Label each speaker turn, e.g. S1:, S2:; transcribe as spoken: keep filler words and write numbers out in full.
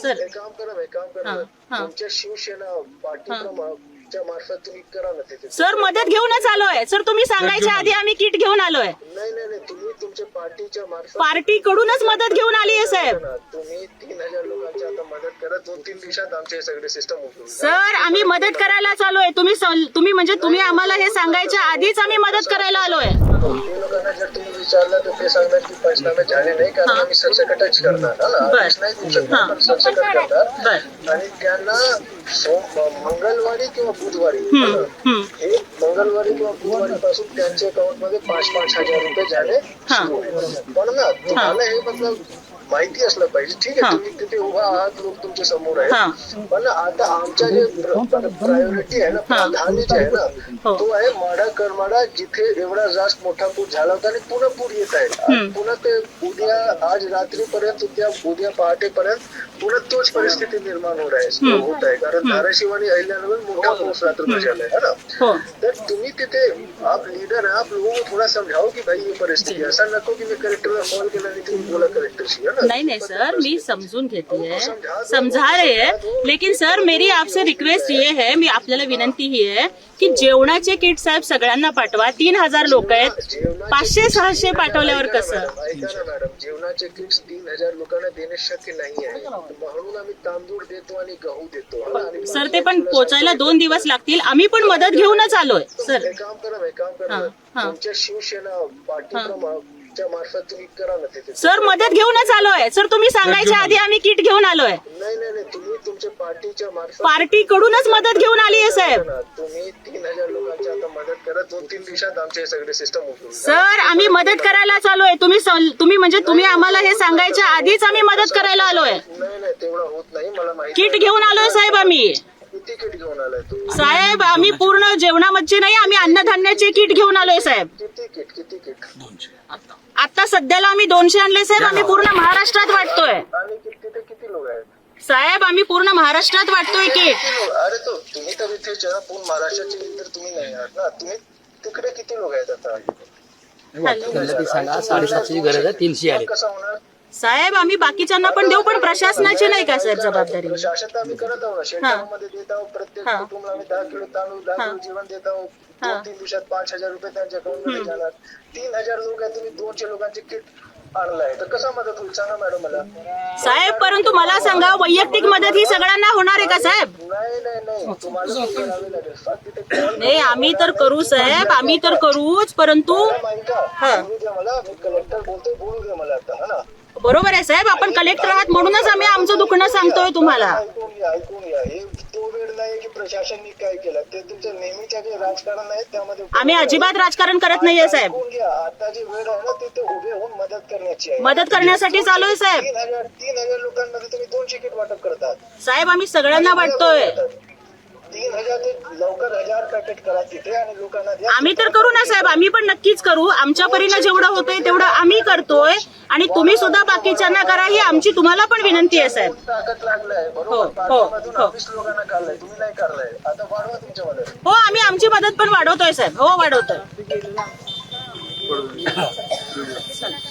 S1: Sir
S2: एक काम करा एक काम करा तुमच्या शिवसेना पार्टीच्या मार्फत तुम्ही करा ना तिथे.
S1: सर मदत घेऊनच आलोय सर, तुम्ही सांगायच्या आधी आम्ही किट घेऊन आलोय.
S2: नाही नाही नाही तुम्ही तुमच्या पार्टीच्या मार्फत
S1: पार्टी कडूनच मदत घेऊन आली आहे साहेब.
S2: तुम्ही तीन हजार लोकांची आता मदत करा, दोन तीन दिवसात आमचे सगळे सिस्टम उघडून.
S1: सर आम्ही मदत करायला आलोय. तुम्ही तुम्ही म्हणजे तुम्ही आम्हाला हे सांगायच्या आधीच आम्ही मदत करायला आलोय.
S2: ते लोकांना जर तुम्ही विचारलं तर ते सांगणार की पंचनामे झाले नाही कारण आम्ही सरसकटच करणार आदेश नाही देऊ शकणार पण सरसकट करणार आणि त्यांना मंगळवारी किंवा बुधवारी हे मंगळवारी किंवा बुधवारी पासून त्यांच्या अकाउंट मध्ये पाच पाच हजार रुपये झाले पण ना तुम्हाला हे मतलब माहिती असलं पाहिजे. ठीक आहे तुम्ही तिथे उभा आहात, लोक तुमच्या समोर आहे पण आता आमच्या जे प्रायोरिटी आहे ना, प्राधान्य जे आहे ना तो आहे माडा करमाडा जिथे एवढा जास्त मोठा पूर झाला होता आणि पुन्हा पूर येत आहे. पुन्हा ते उद्या आज रात्रीपर्यंत उद्या उद्या पहाटेपर्यंत पुन्हा तोच परिस्थिती निर्माण होत आहे होत आहे कारण धाराशिव आणि अहिल्यानगर मोठा पाऊस रात्र झालाय है ना. तर तुम्ही तिथे आप लीडर है, आप लोगों को थोड़ा समझाओ की भाई ये परिस्थिती ऐसा नको की मी कलेक्टरला कॉल केला आणि तुम्ही बोला कलेक्टरशी.
S1: नहीं नहीं सर मी समजून घेते है, समझा रहे हैं लेकिन सर मेरी आपसे रिक्वेस्ट ये है, मी आपल्याला विनंती ही आहे की जेवणाचे किट साहेब सगळ्यांना पाठवा. तीन हजार लोक आहेत, पाचशे सहाशे पाठवल्यावर कसं.
S2: ऐका ना मॅडम, जेवणाचे किट्स तीन हजार लोकांना देणे शक्य नाही आहे म्हणून आम्ही तांदूळ देतो आणि गहू देतो.
S1: सर ते पण पोचायला दोन दिवस लागतील. आम्ही पण मदत घेऊनच आलोय सर.
S2: एक काम करा एक काम करा तुमच्या शिवसेना पार्टी मार्फत तुम्ही करा ना तिथे.
S1: सर मदत घेऊनच आलोय सर, तुम्ही सांगायच्या आधी आम्ही किट घेऊन आलोय.
S2: नाही नाही नाही तुम्ही तुमच्या पार्टीच्या मार्फत
S1: पार्टी कडूनच मदत घेऊन आली आहे साहेब.
S2: तुम्ही तीन हजार लोकांची आता मदत करा, दोन तीन दिवसात आमचे सगळे सिस्टम उघडून.
S1: सर आम्ही मदत करायला आलोय. तुम्ही तुम्ही म्हणजे तुम्ही आम्हाला हे सांगायच्या आधीच आम्ही मदत करायला आलोय.
S2: नाही नाही तेवढं होत नाही मला माहिती.
S1: किट घेऊन आलोय साहेब आम्ही.
S2: किती किट घेऊन आलाय तू
S1: साहेब? आम्ही पूर्ण जेवणामध्ये नाही, आम्ही अन्नधान्याचे किट घेऊन आलोय साहेब.
S2: किती किट किती किट
S1: आता सध्याला आम्ही दोनशे आणले साहेब. आम्ही पूर्ण महाराष्ट्रात वाटतोय.
S2: आणि तिथे किती लोक आहेत
S1: साहेब? आम्ही पूर्ण महाराष्ट्रात वाटतोय किट.
S2: अरे तो तुम्ही तर इथे पूर्ण महाराष्ट्राचे तर तुम्ही नाही आहात ना, तुम्ही तिकडे किती लोक आहेत आता?
S3: सांगा साडेसातशे गरज आहे, तीनशे आले.
S2: कसं होणार
S1: साहेब? आम्ही बाकीच्यांना पण देऊ पण प्रशासनाची नाही का साहेब जबाबदारी?
S2: प्रशासन तर आम्ही करत आहोत, शेतकऱ्यांमध्ये देत आहोत, प्रत्येक कुटुंबाला आम्ही दहा किलो तांदूळ दहा किलो जेवण देत आहोत. दोन तीन दिवसात पाच हजार रुपये त्यांच्या अकाउंट मध्ये जाणार. तीन हजार लोक आहेत, तुम्ही दोनशे लोकांचे किट आणलाय तर कसा मदत होईल सांगा मॅडम मला.
S1: साहेब परंतु मला सांगा वैयक्तिक मदत ही सगळ्यांना होणार आहे का साहेब?
S2: नाही नाही नाही तुम्हाला करावे लागेल. फक्त तिथे call
S1: नाही आम्ही तर करू साहेब, आम्ही तर करूच परंतु
S2: ऐका बोलू द्या मला, मी कलेक्टर बोलतोय, बोलू द्या मला आता है ना.
S1: बरोबर आहे साहेब, आपण कलेक्टर आहात म्हणूनच आम्ही आमचं दुखणं सांगतोय तुम्हाला.
S2: ऐकून घ्या ऐकून घ्या हे तो वेळ नाही की प्रशासनाने काय केलं ते तुमचं नेहमीच्या जे राजकारण आहे त्यामध्ये
S1: आम्ही अजिबात राजकारण करत नाहीये साहेब.
S2: ऐकून घ्या आता जी वेळ आहे ना तिथे उभे होऊन मदत करण्याची आहे.
S1: मदत करण्यासाठी चालू आहे साहेब.
S2: तीन हजार तीन हजार लोकांमध्ये तुम्ही दोनशे किट वाटप करतात
S1: साहेब. आम्ही सगळ्यांना वाटतोय.
S2: तीन हजार ते लवकर हजार पॅकेट करा तिथे आणि लोकांना द्या.
S1: आम्ही तर करू ना साहेब, आम्ही पण नक्कीच करू. आमच्या परीनं जेवढं होतंय तेवढं आम्ही करतोय आणि तुम्ही सुद्धा बाकीच्यांना करा ही आमची तुम्हाला पण विनंती आहे साहेब.
S2: ताकद लागलाय
S1: हो
S2: बरोबर.
S1: हो
S2: पाठीमागून वीस लोकांना काढलाय, तुम्ही नाही काढलाय, आता वाढवा तुमच्या मदत.
S1: हो आम्ही आमची मदत पण वाढवतोय साहेब. हो वाढवतोय.